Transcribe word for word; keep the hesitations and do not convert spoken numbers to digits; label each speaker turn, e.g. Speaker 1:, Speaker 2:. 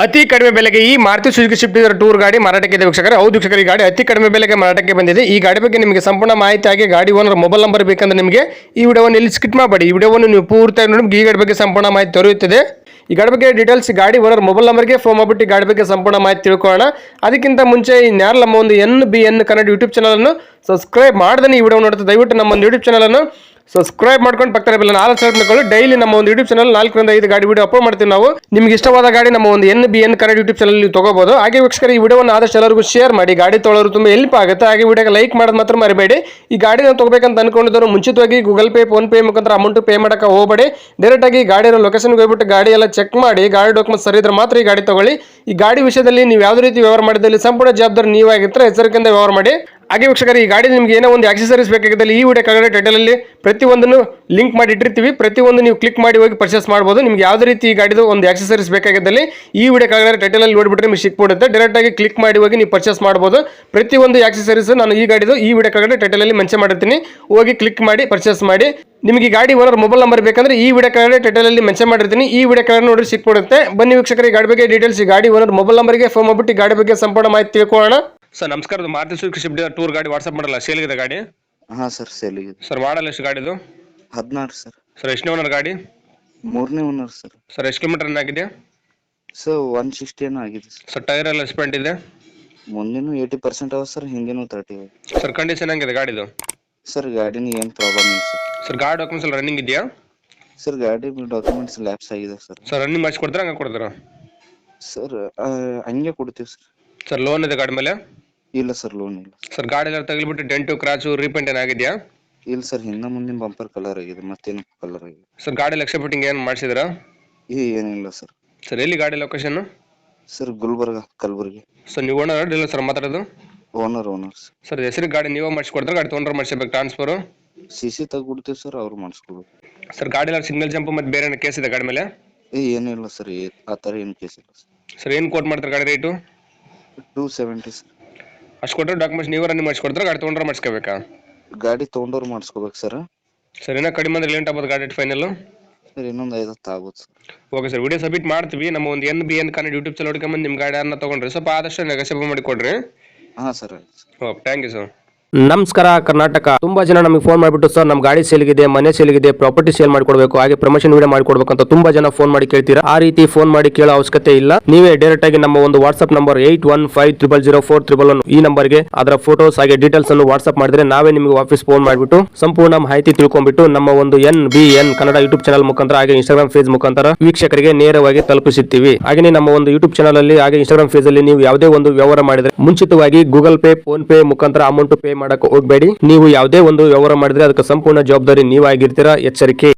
Speaker 1: ಅತಿ ಕಡಿಮೆ ಬೆಲೆಗೆ ಈ Maruti Suzuki Swift Dzire tour ಗಾಡಿ ಮಾರಾಟಕ್ಕೆ ಇದೆ ವೀಕ್ಷಕರೇ. ಹೌದು ವೀಕ್ಷಕರೇ, ಈ ಗಾಡಿ ಅತಿ ಕಡಿಮೆ ಬೆಲೆಗೆ ಮಾರಾಟಕ್ಕೆ ಬಂದಿದೆ. ಈ ಗಾಡಿ ಬಗ್ಗೆ ನಿಮಗೆ ಸಂಪೂರ್ಣ ಮಾಹಿತಿ ಆಗಿ ಗಾಡಿ ಓನರ್ ಮೊಬೈಲ್ ನಂಬರ್ ಬೇಕಂದ್ರೆ ನಿಮಗೆ ಈ ವಿಡಿಯೋವನ್ನು ಇಲ್ಲಿ ಸ್ಕಿಪ್ ಮಾಡಬೇಡಿ. ಈ ವಿಡಿಯೋವನ್ನು ನೀವು ಪೂರ್ತಿಯಾಗಿ ನೋಡಿ ಈ ಗಾಡಿ ಬಗ್ಗೆ ಸಂಪೂರ್ಣ ಮಾಹಿತಿ ದೊರೆಯುತ್ತದೆ. ಈ ಗಾಡಿ ಬಗ್ಗೆ ಡೀಟೇಲ್ಸ್ ಗಾಡಿ ಓನರ್ ಮೊಬೈಲ್ ನಂಬರ್ಗೆ ಫೋನ್ ಮಾಡಿಬಿಟ್ಟು ಗಾಡಿ ಬಗ್ಗೆ ಸಂಪೂರ್ಣ ಮಾಹಿತಿ ತಿಳ್ಕೊಳ್ಳೋಣ. ಅದಕ್ಕಿಂತ ಮುಂಚೆ ಈ ನ್ಯಾರ ನಮ್ಮ ಒಂದು N B N Kannada YouTube ಚಾನಲನ್ನು ಸಬ್ಸ್ಕ್ರೈಬ್ ಮಾಡ್ದೇ ಈ ವಿಡಿಯೋ ನೋಡ್ತಾ ದಯವಿಟ್ಟು ನಮ್ಮ ಒಂದು ಯೂಟ್ಯೂಬ್ ಚಾನಲನ್ನು ಸಬ್ಸ್ಕ್ರೈಬ್ ಮಾಡ್ಕೊಂಡು ಪಕ್ಕದ ಬೆಲ್ಲ ನಾಲ್ಕು ಸೆಲೆಕ್ಟ್ ಮಾಡ್ಕೊಳ್ಳಿ. ಡೈಲಿ ನಮ್ಮ ಒಂದು ಯೂಟ್ಯೂಬ್ ಚಾನಲ್ ನಾಲ್ಕರಿಂದ ಐದು ಗಾಡಿ ವಿಡಿಯೋ ಅಪ್ಲೋಡ್ ಮಾಡ್ತೀವಿ ನಾವು. ನಿಮ್ಗೆ ಇಷ್ಟವಾದ ಗಾಡಿ ನಮ್ಮ ಒಂದು N B N Kannada YouTube channel ನೀವು ತಗೋಬಹುದು. ಹಾಗೆ ವೀಕ್ಷಕರ ಈ ವಿಡಿಯೋವನ್ನು ಆದಷ್ಟು ಎಲ್ಲರಿಗೂ ಶೇರ್ ಮಾಡಿ, ಗಾಡಿ ತೊಗೊಳ್ಳೋರು ತುಂಬ ಹೆಲ್ಪ್ ಆಗುತ್ತೆ. ಹಾಗೆ ವಿಡಿಯೋಗೆ ಲೈಕ್ ಮಾಡೋದು ಮಾತ್ರ ಮರಿಬೇಡಿ. ಈ ಗಾಡಿನ ತಗೋಬೇಕಂತ ಅನ್ಕೊಂಡಿದ್ರು ಮುಂಚಿತವಾಗಿ ಗೂಗಲ್ ಪೇ ಫೋನ್ ಪೇ ಮುಖಾಂತರ ಅಮೌಂಟ್ ಪೇ ಮಾಡಕ್ಕೆ ಹೋಗಬೇಡಿ. ಡೈರೆಕ್ಟ್ ಆಗಿ ಗಾಡಿಯ ಲೊಕೇಶನ್ಗೆ ಹೋಗ್ಬಿಟ್ಟು ಗಾಡಿ ಎಲ್ಲ ಚೆಕ್ ಮಾಡಿ ಗಾಡಿ ಡಾಕ್ಯುಮೆಂಟ್ ಸರಿ ಇದ್ರೆ ಮಾತ್ರ ಈ ಗಾಡಿ ತಗೊಳ್ಳಿ. ಈ ಗಾಡಿ ವಿಷಯದಲ್ಲಿ ನೀವು ಯಾವುದೇ ರೀತಿ ವ್ಯವಹಾರ ಮಾಡಿದಲ್ಲಿ ಸಂಪೂರ್ಣ ಜವಾಬ್ದಾರಿ ನೀವಾಗಿರ್ತಾರೆ, ಎಚ್ಚರಿಕೆಯಿಂದ ವ್ಯವಹಾರ ಮಾಡಿ. ಹಾಗೆ ವೀಕ್ಷಕರು ಈ ಗಾಡಿ ನಿಮಗೆ ಏನೋ ಒಂದು ಆಕ್ಸೆಸರೀಸ್ ಬೇಕಾಗಿದ್ದಲ್ಲಿ ಈ ವಿಡಿಯೋ ಕೆಳಗಡೆ ಟೈಟಲಲ್ಲಿ ಪ್ರತಿಯೊಂದನ್ನು ಲಿಂಕ್ ಮಾಡಿ ಇಟ್ಟಿರ್ತೀವಿ. ಪ್ರತಿಯೊಂದು ನೀವು ಕ್ಲಿಕ್ ಮಾಡಿ ಹೋಗಿ ಪರ್ಚೇಸ್ ಮಾಡ್ಬೋದು. ನಿಮ್ಗೆ ಯಾವುದೇ ರೀತಿ ಈ ಗಾಡಿದು ಒಂದು ಆಕ್ಸೆಸರೀಸ್ ಬೇಕಾಗಿದ್ದಲ್ಲಿ ಈ ವಿಡಿಯೋ ಕೆಳಗಡೆ ಟೈಟಲಲ್ಲಿ ನೋಡಿಬಿಟ್ರೆ ನಿಮಗೆ ಸಿಕ್ಬಿಡುತ್ತೆ. ಡೈರೆಕ್ಟ್ ಆಗಿ ಕ್ಲಿಕ್ ಮಾಡಿ ಹೋಗಿ ನೀವು ಪರ್ಚೇಸ್ ಮಾಡ್ಬೋದು. ಪ್ರತಿಯೊಂದು ಆಕ್ಸೆಸರೀಸ್ ನಾನು ಈ ಗಾಡಿದು ಈ ವಿಡಿಯೋ ಕೆಳಗಡೆ ಟೈಟಲಲ್ಲಿ ಮೆನ್ಷನ್ ಮಾಡಿರ್ತೀನಿ, ಹೋಗಿ ಕ್ಲಿಕ್ ಮಾಡಿ ಪರ್ಚೇಸ್ ಮಾಡಿ. ನಿಮಗೆ ಗಾಡಿ ಓನರ್ ಮೊಬೈಲ್ ನಂಬರ್ ಬೇಕಂದ್ರೆ ಈ ವಿಡಿಯೋ ಕೆಳಗಡೆ ಟೈಟಲಲ್ಲಿ ಮೆನ್ಷನ್ ಮಾಡಿರ್ತೀನಿ, ಈ ವಿಡಿಯೋ ಕೆಳಗಡೆ ನೋಡಿ ಸಿಕ್ಬಿಡುತ್ತೆ. ಬನ್ನಿ ವೀಕ್ಷಕರ ಈ ಗಾಡಿ ಬಗ್ಗೆ ಡೀಟೇಲ್ಸ್ ಈ ಗಾಡಿ ಓನರ್ ಮೊಬೈಲ್ ನಂಬರ್ಗೆ ಫೋನ್ ಮಾಡಿಬಿಟ್ಟು ಗಾಡಿ ಬಗ್ಗೆ ಸಂಪೂರ್ಣ ಮಾಹಿತಿ ತಿಳ್ಕೊಳ್ಳೋಣ. ಸರ್ ನಮಸ್ಕಾರ, Maruti Suzuki Swift Dzire tour ಗಾಡಿ ವಾಟ್ಸ್ಆಪ್ ಮಾಡಲ್ಲ, ಸೇಲ್ಗಿದೆ ಗಾಡಿ?
Speaker 2: ಹಾ ಸರ್, ಸೇಲಿಗಿದೆ
Speaker 1: ಸರ್. ಮಾಡಲ್ ಎಷ್ಟು ಗಾಡಿದು?
Speaker 2: ಹದಿನಾರು ಸರ್.
Speaker 1: ಸರ್ ಎಷ್ಟನೇ ಓನರ್ ಗಾಡಿ?
Speaker 2: ಮೂರನೇ ಓನರ್ ಸರ್.
Speaker 1: ಸರ್ ಎಷ್ಟು ಕಿಲೋಮೀಟರ್ ರನ್ ಆಗಿದೆ?
Speaker 2: ಸರ್ ಒನ್ ಸಿಕ್ಸ್ಟಿ ಏನೋ ಆಗಿದೆ ಸರ್.
Speaker 1: ಸರ್ ಟೈರ್ ಎಲ್ಲ ಸ್ಪೆಂಟ್ ಇದೆ?
Speaker 2: ಮುಂದಿನ ಏಯ್ಟಿ ಪರ್ಸೆಂಟ್ ಅವ ಸರ್, ಹಿಂದಿನೂ ತರ್ಟಿ ಅವ.
Speaker 1: ಸರ್ ಕಂಡೀಷನ್ ಹೆಂಗಿದೆ ಗಾಡಿದು?
Speaker 2: ಸರ್ ಗಾಡಿನ ಏನು ಪ್ರಾಬ್ಲಮ್ ಇಲ್ಲ ಸರ್.
Speaker 1: ಸರ್ ಗಾಡಿ ಡಾಕ್ಯುಮೆಂಟ್ಸ್ ಎಲ್ಲ ರನ್ನಿಂಗ್ ಇದೆಯಾ?
Speaker 2: ಸರ್ ಗಾಡಿ ಡಾಕ್ಯುಮೆಂಟ್ಸ್ ಲ್ಯಾಪ್ಸ್ ಆಗಿದೆ ಸರ್.
Speaker 1: ಸರ್ ರನ್ನಿಂಗ್ ಮಾಡಿಸಿ ಕೊಡ್ತೀರಾ ಹಂಗೆ ಕೊಡ್ತೀರಾ?
Speaker 2: ಸರ್ ಹಂಗೆ ಕೊಡ್ತೀವಿ ಸರ್.
Speaker 1: ಸರ್ ಲೋನ್ ಇದೆ ಗಾಡಿ ಮೇಲೆ?
Speaker 2: ಇಲ್ಲ ಸರ್, ಲೋನ್ ಇಲ್ಲ.
Speaker 1: ಸರ್ ಗಾಡಿ ಎಲ್ಲ ತಗಲಿಬಿಟ್ಟು ಡೆಂಟು ಕ್ರಾಚು ರೀಪೇಂಟ್ ಏನಾಗಿದೆಯಾ?
Speaker 2: ಇಲ್ಲ ಸರ್, ಹಿಂದೆ ಮುಂದಿನ ಬಂಪರ್ ಕಲರ್ ಆಗಿದೆ, ಮತ್ತೇನು ಕಲರ್ ಆಗಿದೆ.
Speaker 1: ಸರ್ ಗಾಡಿ ಲಕ್ಷ ಫಿಟ್ಟಿಂಗ್ ಏನು ಮಾಡಿಸಿದ್ರಾ?
Speaker 2: ಈ ಏನಿಲ್ಲ ಸರ್.
Speaker 1: ಸರ್ ಎಲ್ಲಿ ಗಾಡಿ location?
Speaker 2: Sir Gulbarga, Kalaburagi.
Speaker 1: Sir ನೀವು ಓನರ್ ಡೀಲರ್ ಸರ್ ಮಾತಾಡೋದು?
Speaker 2: Owner owner sir.
Speaker 1: ಸರ್ ಹೆಸರು ಗಾಡಿ ನೀವೇ ಮಾಡಿಸ್ಕೊಡ್ತಾರೆ, ಗಾಡಿ ತೊಗೊಂಡ್ರೆ ಮಾಡಿಸ್ಬೇಕು ಟ್ರಾನ್ಸ್ಫರು?
Speaker 2: ಸಿ ಸಿ ತೆಗ್ಬಿಡ್ತೀವಿ ಸರ್, ಅವ್ರು ಮಾಡಿಸ್ಕೊಡ್ಬೇಕು.
Speaker 1: ಸರ್ ಗಾಡಿ ಎಲ್ಲ ಸಿಗ್ನಲ್ ಜಂಪ್ ಮತ್ತು ಬೇರೆ ಏನೋ ಕೇಸ್ ಇದೆ ಗಾಡಿ ಮೇಲೆ?
Speaker 2: ಏ ಏನಿಲ್ಲ ಸರ್, ಆ ಥರ ಏನು ಕೇಸ್ ಇಲ್ಲ ಸರ್.
Speaker 1: ಸರ್ ಏನು ಕೋಟ್ ಮಾಡ್ತಾರೆ ಗಾಡಿ ರೇಟು?
Speaker 2: Two seventy sir.
Speaker 1: ಅಷ್ಟು ಕೊಟ್ಟರೆ ಡಾಕ್ಯುಮೆಂಟ್ಸ್ ನೀವು ರನ್ನಿಂಗ್ ಮಾಡಿಸ್ಕೊಡ್ತಾರೆ, ಗಾಡಿ ತೊಗೊಂಡ್ರೆ ಮಾಡಿಸ್ಕೋಬೇಕಾ?
Speaker 2: ಗಾಡಿ ತೊಗೊಂಡವ್ರು ಮಾಡಿಸ್ಕೋಬೇಕು ಸರ್.
Speaker 1: ಸರ್ ಏನೋ ಕಡಿಮೆ ಅಂದ್ರೆ ಲೇಟ್ ಆಗ್ಬೋದು ಗಾಡಿ ಫೈನಲ್?
Speaker 2: ಸರ್ ಇನ್ನೊಂದು ಐದು ಹತ್ತು ಆಗ್ಬೋದು sir.
Speaker 1: Okay sir, video submit ಮಾಡ್ತೀವಿ. ನಮ್ಮ ಒಂದು N B N Kannada YouTube channel ಹುಡ್ಕೊಂಬಂದು ನಿಮ್ಮ ಗಾಡಿಯನ್ನು ತೊಗೊಂಡ್ರಿ ಸ್ವಲ್ಪ ಆದಷ್ಟು ನೆಗೋಸಿಯೇಟ್ ಮಾಡಿ ಕೊಡ್ರಿ.
Speaker 2: ಹಾಂ sir.
Speaker 1: Okay, thank you sir.
Speaker 3: ನಮಸ್ಕಾರ ಕರ್ನಾಟಕ. ತುಂಬಾ ಜನ ನಮಗೆ ಫೋನ್ ಮಾಡಿಬಿಟ್ಟು ಸರ್ ನಮ್ಮ ಗಾಡಿ ಸೇಲ್ಗಿದೆ, ಮನೆ ಸೇಲ್ಗಿದೆ, ಪ್ರಾಪರ್ಟಿ ಸೇಲ್ ಮಾಡಿಕೊಡ್ಬೇಕು, ಹಾಗೆ ಪ್ರಮೋಷನ್ ವಿಡಿಯೋ ಮಾಡಿಕೊಡ್ಬೇಕು ಅಂತ ತುಂಬಾ ಜನ ಫೋನ್ ಮಾಡಿ ಕೇಳ್ತೀರಾ. ಆ ರೀತಿ ಫೋನ್ ಮಾಡಿ ಕೇಳೋ ಅವಶ್ಯಕತೆ ಇಲ್ಲ. ನೀವೇ ಡೈರೆಕ್ಟ್ ಆಗಿ ನಮ್ಮ ಒಂದು WhatsApp number eight one five triple zero four triple one ಈ ನಂಬರ್ಗೆ ಅದರ ಫೋಟೋಸ್ ಹಾಗೆ ಡೀಟೇಲ್ಸ್ ಅನ್ನು ವಾಟ್ಸ್ಆಪ್ ಮಾಡಿದ್ರೆ ನಾವೇ ನಿಮಗೆ ವಾಪಸ್ ಫೋನ್ ಮಾಡಿಬಿಟ್ಟು ಸಂಪೂರ್ಣ ಮಾಹಿತಿ ತಿಳ್ಕೊಂಡ್ಬಿಟ್ಟು ನಮ್ಮ ಒಂದು N B N Kannada YouTube channel ಮುಖಾಂತರ ಹಾಗೆ ಇನ್ಸ್ಟಾಗ್ರಾಮ್ ಪೇಜ್ ಮುಖಾಂತರ ವೀಕ್ಷಕರಿಗೆ ನೇರವಾಗಿ ತಲುಪಿಸುತ್ತೀವಿ. ಹಾಗೆ ನಮ್ಮ ಒಂದು ಯೂಟ್ಯೂಬ್ ಚಾನಲ್ ಅಲ್ಲಿ ಹಾಗೆ ಇನ್ಸ್ಟಾಗ್ರಾಮ್ ಪೇಜ್ ಅಲ್ಲಿ ನೀವು ಯಾವುದೇ ಒಂದು ವ್ಯವಹಾರ ಮಾಡಿದ್ರೆ ಮುಂಚಿತವಾಗಿ ಗೂಗಲ್ ಪೇ ಫೋನ್ ಪೇ ಮುಖಾಂತರ ಅಮೌಂಟ್ ಪೇ ಮಾಡಕ್ಕೆ ಹೋಗಬೇಡಿ. ನೀವು ಯಾವುದೇ ಒಂದು ವ್ಯವಹಾರ ಮಾಡಿದ್ರೆ ಅದಕ್ಕೆ ಸಂಪೂರ್ಣ ಜವಾಬ್ದಾರಿ ನೀವಾಗಿರ್ತೀರಾ, ಎಚ್ಚರಿಕೆ.